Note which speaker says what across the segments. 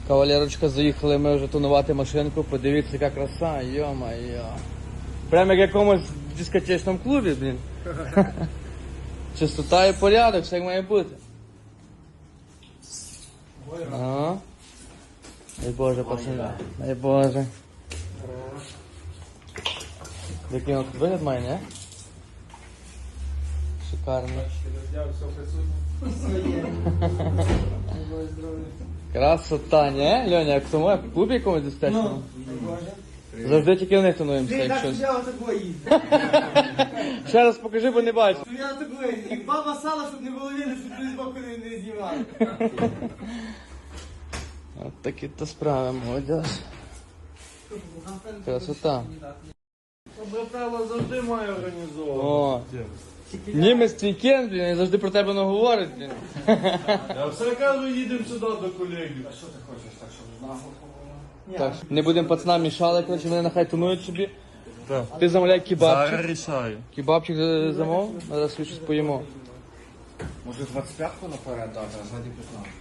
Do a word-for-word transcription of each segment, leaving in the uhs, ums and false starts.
Speaker 1: Кавалерочка, заїхали ми вже тонувати машинку, подивіться, яка краса, йо-майо. Прямо як в якомусь дискотечному клубі, блін. Чистота і порядок, все як має бути. Ага. Дай Боже, пацани. Дай Боже. Який він тут вигляд має, не? Шикарний. Красота, не? Льоня, як в тому, як в клубі якомусь дискотечному? Завжди тільки в них тонуємося, якщо. Ще раз покажи, бо не бачу.
Speaker 2: Я такий, як баба сала, щоб не було видно, щоб ти з боку не, не знімали.
Speaker 1: От такі то справи, молодіж. Красота.
Speaker 3: Добре правило завжди має організовувати.
Speaker 1: О, німець вікенд, блін, і завжди про тебе не говорить, блін.
Speaker 3: Я все кажу, їдемо сюди до колегів.
Speaker 2: Що ти хочеш, так, щоб нагло було?
Speaker 1: Так, не будемо пацанам мішали, коротше, вони нехай тонують собі.
Speaker 3: Так.
Speaker 1: Ти замовляй кебабчик.
Speaker 3: Зараз рішаю.
Speaker 1: Кебабчик за- замов, зараз щось поїмо.
Speaker 2: Може двадцять п'ятку наперед дати, а ззаді п'ятнадцять.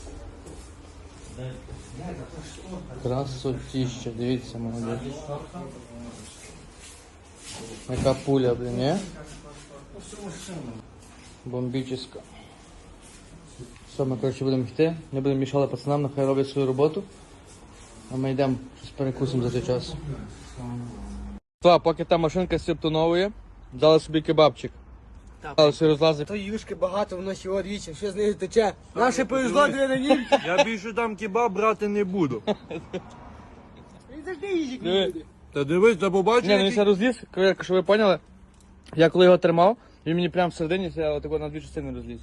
Speaker 1: Красотіще, дивіться, молодець. Яка пуля, блін, не? Бомбіческа. Все, ми, коротше, будемо йти, не будемо мішали пацанам, нехай роблять свою роботу. А ми йдемо, щось перекусимо за цей час. Та, поки та машинка сіптоновує, дали собі кебабчик. Дали собі розлази.
Speaker 2: То юшки багато, воно ще одвічі, що з нею тече. Наше повезло дві на нім.
Speaker 3: Я більше там кебаб брати не буду.
Speaker 2: Він завжди їжик
Speaker 1: Диви.
Speaker 2: не буде.
Speaker 3: Та дивись, та побачиш,
Speaker 1: Ні, ну він ся розліз, як- щоб ви поняли, я коли його тримав, він мені прямо всередині ся отако на дві частини розліз.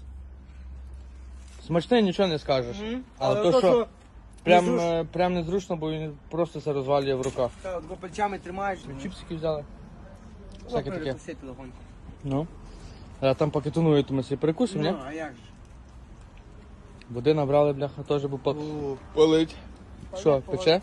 Speaker 1: Смачний, нічого не скажеш. Але, то, що прям,
Speaker 2: незручно.
Speaker 1: е, прям незручно, бо він просто се розвалює в руках.
Speaker 2: Так, от бо пальцями тримаєш.
Speaker 1: Чіпсики взяли. Всяке таке.
Speaker 2: Посити легонько.
Speaker 1: Ну. А там поки тонує, то ми собі перекусимо, ні?
Speaker 2: Ну, а як же?
Speaker 1: Води набрали, бляха, теж бо по... палить. Що, пече?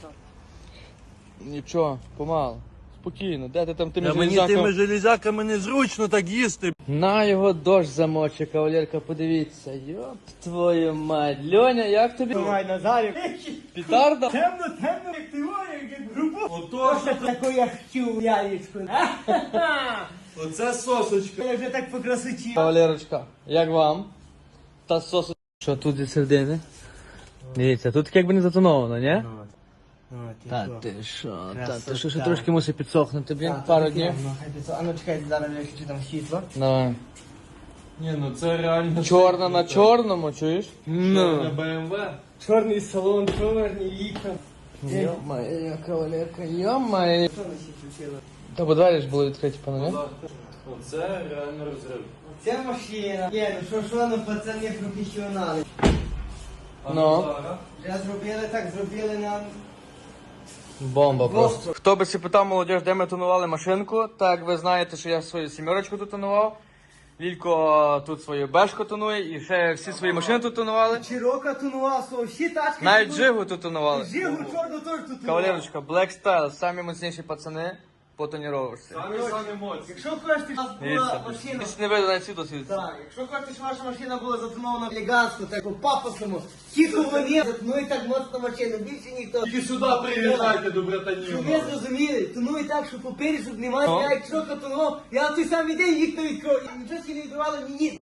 Speaker 1: Нічого, помало. Спокійно, де ти там тими
Speaker 3: Та мені
Speaker 1: железяками?
Speaker 3: тими железяками незручно так їсти.
Speaker 1: На його дощ замоче, кавалерка, подивіться. Йоп твою мать. Льоня, як тобі?
Speaker 2: Давай, Назарів.
Speaker 1: Пітарда?
Speaker 2: Темно, темно, як ти говориш, як грубо.
Speaker 3: Ото,
Speaker 2: Таку я хотів, яєчко.
Speaker 3: оце сосочка.
Speaker 2: Я вже так по красоті.
Speaker 1: Кавалерочка, як вам? Та сосу. Що тут зі середини? Дивіться, тут якби не затоновано, ні? Та ти що, та ти що, ще трошки мусить підсохнути, блін, пару днів.
Speaker 2: А ну чекайте, зараз я хочу там світло.
Speaker 1: Давай.
Speaker 3: Ні, ну це реально.
Speaker 1: Чорна на чорному, чуєш?
Speaker 3: На БМВ.
Speaker 2: Чорний салон, чорні вікна.
Speaker 1: Йо-моє, кавалерка, йо-моє.
Speaker 2: Що на світло сіло?
Speaker 1: Та бо двері ж були відкриті, пане, не?
Speaker 3: Оце реально розрив.
Speaker 2: Це машина. Є, ну що, що, ну пацани професіонали.
Speaker 3: А
Speaker 1: Ну.
Speaker 3: зараз?
Speaker 2: Вже зробили так, зробили нам.
Speaker 1: Бомба просто. Хто би си питав, молодіж, де ми тонували машинку, так ви знаєте, що я свою сімерочку тут тонував. Лілько тут свою бешку тонує і ще всі свої машини тут тонували.
Speaker 2: Чирока тонував, свого, всі тачки.
Speaker 1: Навіть
Speaker 2: тут-
Speaker 1: Жигу тут тонували.
Speaker 2: Жигу чорну теж тут тонував.
Speaker 1: Кавалерочка, Black Style, самі міцніші пацани по тоніровочці.
Speaker 3: Самі самі моцні.
Speaker 2: Якщо хочеш, щоб у нас була
Speaker 1: Дивіться,
Speaker 2: машина.
Speaker 1: десь не видно навіть світло світиться.
Speaker 2: Так, якщо хочеш, щоб ваша машина була затонована елегантно, так по пафосному, тихо вони, ну і так моцно машина, більше ніхто.
Speaker 3: Тільки сюди приїжджайте до
Speaker 2: Щоб
Speaker 3: братанів.
Speaker 2: ви зрозуміли, тонуй так, що попереду, щоб немає,
Speaker 1: Ну.
Speaker 2: я як чорка тонував, я в той самий день вікна відкрив, і нічого ще не відкривало мені.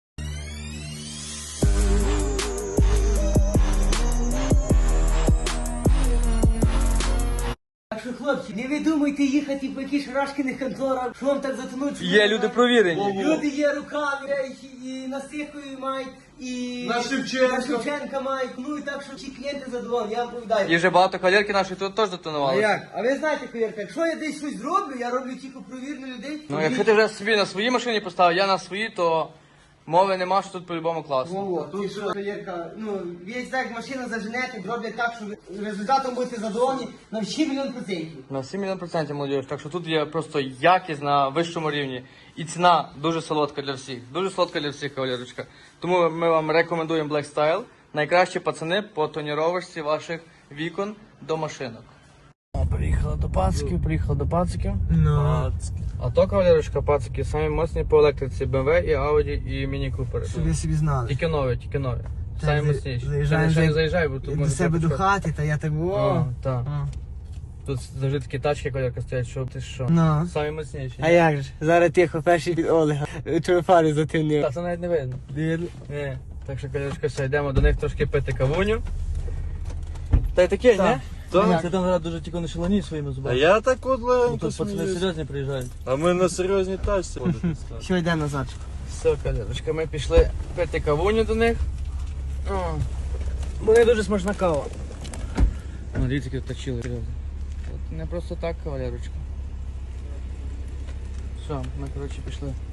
Speaker 2: Так що, хлопці, не ви думайте їхати по якісь шарашкиних конторах, що вам так затонуть. що
Speaker 1: Є
Speaker 2: ви
Speaker 1: люди
Speaker 2: так-
Speaker 1: провірені.
Speaker 2: Люди є руками, речі, і на Стихові мають, і
Speaker 3: На Шевченка.
Speaker 2: на Шевченка мають. Ну і так, що всі клієнти задоволені, я вам повідаю.
Speaker 1: І вже багато кавалерки нашої тут теж
Speaker 2: А
Speaker 1: дотонували.
Speaker 2: як? А ви знаєте, Ковірка, якщо я десь щось зроблю, я роблю тільки провірну людей.
Speaker 1: Ну, якщо ти вже собі на своїй машині поставив, я на своїй, то мови нема, що тут по-любому класно.
Speaker 2: Во-во, тут що, Ковірка, ну, ви так машину заженете, зроблять так, що ви результатом будете задоволені на всі мільйон процентів.
Speaker 1: На всі мільйон процентів молодіж. Так що тут є просто якість на вищому рівні. І ціна дуже солодка для всіх. Дуже солодка для всіх, кавалерочка. Тому ми вам рекомендуємо Black Style. Найкращі пацани по тоніровочці ваших вікон до машинок. Приїхала до пациків, приїхала до пациків.
Speaker 2: Ну.
Speaker 1: А то, кавалерочка, пацики, самі моцні по електриці бе ем ве і Audi і Міні Купери.
Speaker 2: Щоб ви собі знали.
Speaker 1: Тільки нові, тільки нові. Самі мощніші.
Speaker 2: Заїжджаємо
Speaker 1: Та не
Speaker 2: вже
Speaker 1: заїжджай, бо тут
Speaker 2: до
Speaker 1: може
Speaker 2: себе до
Speaker 1: пропускати.
Speaker 2: хати, та я так
Speaker 1: О,
Speaker 2: о.
Speaker 1: так.
Speaker 2: О.
Speaker 1: Тут завжди такі тачки, колірка стоять, що ти що.
Speaker 2: Ну.
Speaker 1: Самі мощніші.
Speaker 2: А як же? Зараз тихо, перший від Олега. Чого фари затемнив.
Speaker 1: Так, це навіть не видно.
Speaker 2: Видно?
Speaker 1: Ні. Так що, колірочка, все, йдемо до них трошки пити кавуню. Та й таке,
Speaker 2: Так.
Speaker 1: ні?
Speaker 3: Так.
Speaker 1: Ти там зараз дуже тільки не шалані своїми
Speaker 3: А
Speaker 1: зубами.
Speaker 3: я так от
Speaker 1: Ну,
Speaker 3: легенько
Speaker 1: тут пацани
Speaker 3: сміюсь.
Speaker 1: серйозні приїжджають.
Speaker 3: А ми на серйозній тачці ходимо.
Speaker 2: Що йде назад?
Speaker 1: Все, колірочка, ми пішли пити кавуню до них. О, вони дуже смачна кава. Ну, дивіться, які тут точили. Не просто так, кавалерочка. Все, ми, коротше, пішли.